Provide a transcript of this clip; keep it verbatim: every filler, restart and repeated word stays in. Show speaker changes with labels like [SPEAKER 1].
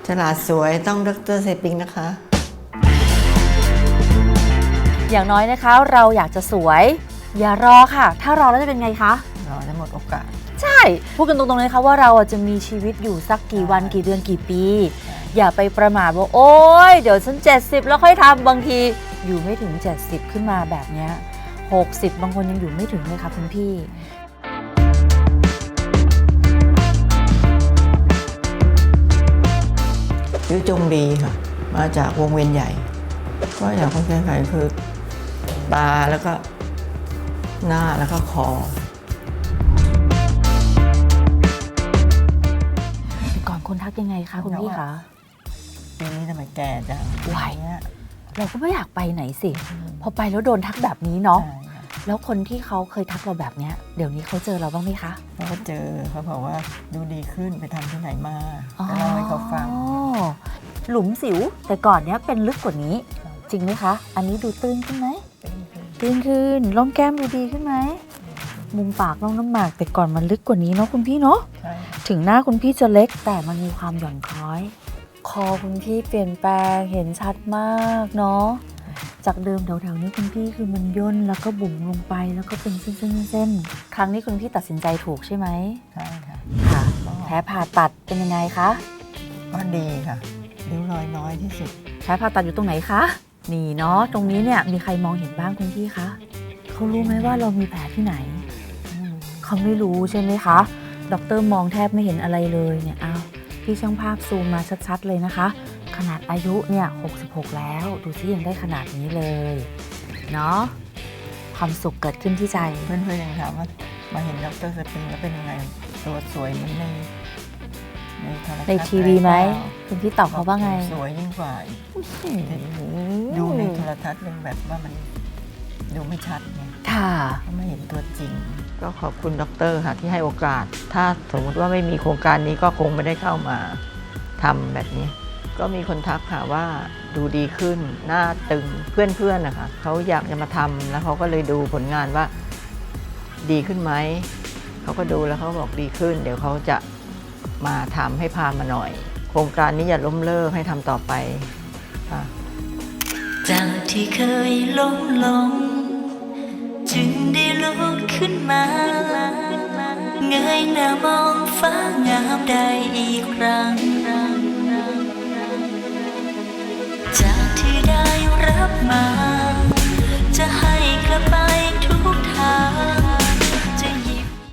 [SPEAKER 1] ฉลาดสวยต้องดร.เซปิงนะคะ
[SPEAKER 2] อย่างน้อยนะคะเราอยากจะสวยอย่ารอค่ะถ้ารอแล้วจะเป็นไงคะ
[SPEAKER 1] รอจะหมดโอกาส
[SPEAKER 2] ใช่พูดกันตรงๆเลยค่ะว่าเราจะมีชีวิตอยู่สักกี่วันกี่เดือนกี่ปีอย่าไปประมาทว่าโอ๊ยเดี๋ยวฉันเจ็ดสิบแล้วค่อยทำบางทีอยู่ไม่ถึงเจ็ดสิบขึ้นมาแบบเนี้ยหกสิบบางคนยังอยู่ไม่ถึงเลยค่ะคุณพี่
[SPEAKER 1] ชื่อจงดีค่ะมาจากวงเวียนใหญ่ก็อยากคนแก้ไขคือตาแล้วก็หน้าแล้วก็คอ
[SPEAKER 2] ก่อนคนทักยังไงคะคุณพี่คะ
[SPEAKER 1] ปีนี้ทำไมแก่จัง
[SPEAKER 2] วัยเราก็ไม่อยากไปไหนสิพอไปแล้วโดนทักแบบนี้เนาะแล้วคนที่เขาเคยทักเราแบบเนี้ยเดี๋ยวนี้เขาเจอเราบ้างไหมคะ
[SPEAKER 1] เขาก็เจอเขาบอกว่าดูดีขึ้นไปทำที่ไหนมาก็เล่าให้เขาฟัง
[SPEAKER 2] หลุมสิวแต่ก่อนเนี้ยเป็นลึกกว่านี้จริงไหมคะอันนี้ดูตื้นขึ้นไหมตื้นขึ้นร่องแก้มดูดีขึ้นไหมมุมปากร่องน้ำหมากแต่ก่อนมันลึกกว่านี้เนาะคุณพี่เนาะถึงหน้าคุณพี่จะเล็กแต่มันมีความหย่อนคล้อยคอคุณพี่เปลี่ยนแปลงเห็นชัดมากเนาะจากเดิมแถวๆนี้คุณพี่คือมันย่นแล้วก็บุ๋มลงไปแล้วก็เป็นเส้นๆๆครั้งนี้คุณพี่ตัดสินใจถูกใช่ไหม
[SPEAKER 1] ใช่ค่ะ
[SPEAKER 2] ค่ะแผลผ่าตัดเป็นยังไงคะ
[SPEAKER 1] ก็ดีค่ะริ้วรอยน้อยที่สุด
[SPEAKER 2] แผลผ่าตัดอยู่ตรงไหนคะนี่เนาะตรงนี้เนี่ยมีใครมองเห็นบ้างคุณพี่คะเขารู้ไหมว่าเรามีแผลที่ไหนเขาไม่รู้ใช่ไหมคะด็อกเตอร์มองแทบไม่เห็นอะไรเลยเนี่ยอ้าวพี่ช่างภาพซูมมาชัดๆเลยนะคะขนาดอายุเนี่ยหกสิบหกแล้วดูซิยังได้ขนาดนี้เลยเนาะความสุขเกิดขึ้นที่ใจ
[SPEAKER 1] เพื่อนๆยังถามว่ามาเห็นดร.สปริงแล้วเป็นยังไงตัวสวยเหมือนในในโทรทัศน์
[SPEAKER 2] ในทีวีไหมคุณพี่ตอบเขาว่าไง
[SPEAKER 1] สวยยิ่งกว่าดูในโทรทัศน์ยังแบบว่ามันดูไม่ชัดไง
[SPEAKER 2] ค่ะ
[SPEAKER 1] ก็ไม่เห็นตัวจริงก็ขอบคุณดร.ค่ะที่ให้โอกาสถ้าสมมติว่าไม่มีโครงการนี้ก็คงไม่ได้เข้ามาทำแบบนี้ก็มีคนทักค่ะว่าดูดีขึ้นหน้าตึงเพื่อนๆนะคะเขาอยากจะมาทำแล้วเขาก็เลยดูผลงานว่าดีขึ้นไหมเขาก็ดูแล้วเขาบอกดีขึ้นเดี๋ยวเขาจะมาทำให้พามาหน่อยโครงการนี้อย่าล้มเลิกให้ทำต่อไปค่ะ
[SPEAKER 3] จากที่เคยล้มลงจึงได้ลุกขึ้นมาเงยหน้ามองฟ้างามได้อีกครั้งจากที่ได้รับมา